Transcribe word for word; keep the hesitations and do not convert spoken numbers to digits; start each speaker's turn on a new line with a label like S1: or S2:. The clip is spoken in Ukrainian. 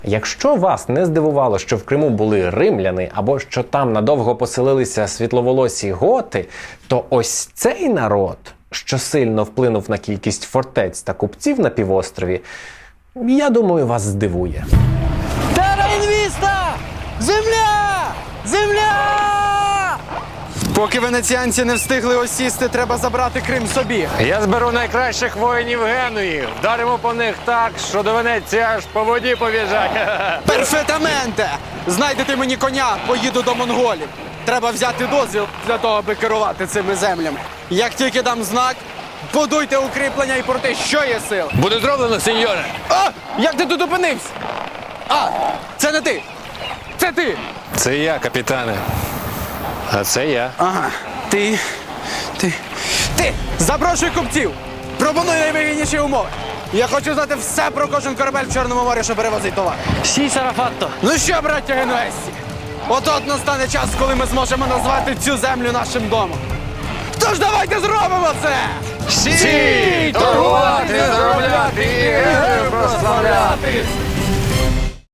S1: Якщо вас не здивувало, що в Криму були римляни, або що там надовго поселилися світловолосі готи, то ось цей народ, що сильно вплинув на кількість фортець та купців на півострові, я думаю, вас здивує.
S2: Терра інвіста! Земля! Земля! Поки венеціанці не встигли осісти, треба забрати Крим собі.
S3: Я зберу найкращих воїнів Генуї. Вдаримо по них так, що до Венеції аж по воді побіжать.
S2: Перфетаменте! Знайдете мені коня, поїду до монголів. Треба взяти дозвіл для того, аби керувати цими землями. Як тільки дам знак, будуйте укріплення і порти, що є сил.
S3: Буде зроблено, сеньоре.
S2: А! Як ти тут опинився? А! Це не ти! Це ти!
S3: Це я, капітане. А це я.
S2: Ага. Ти. Ти. Ти! Запрошуй купців! Пропоную найвигідніші умови. Я хочу знати все про кожен корабель в Чорному морі, що перевозить товар.
S4: Сі, Сарафатто.
S2: Ну що, браття генуезці? От-от настане час, коли ми зможемо назвати цю землю нашим домом. Тож давайте зробимо це!
S3: Сі! Торгувати, заробляти і прославляти!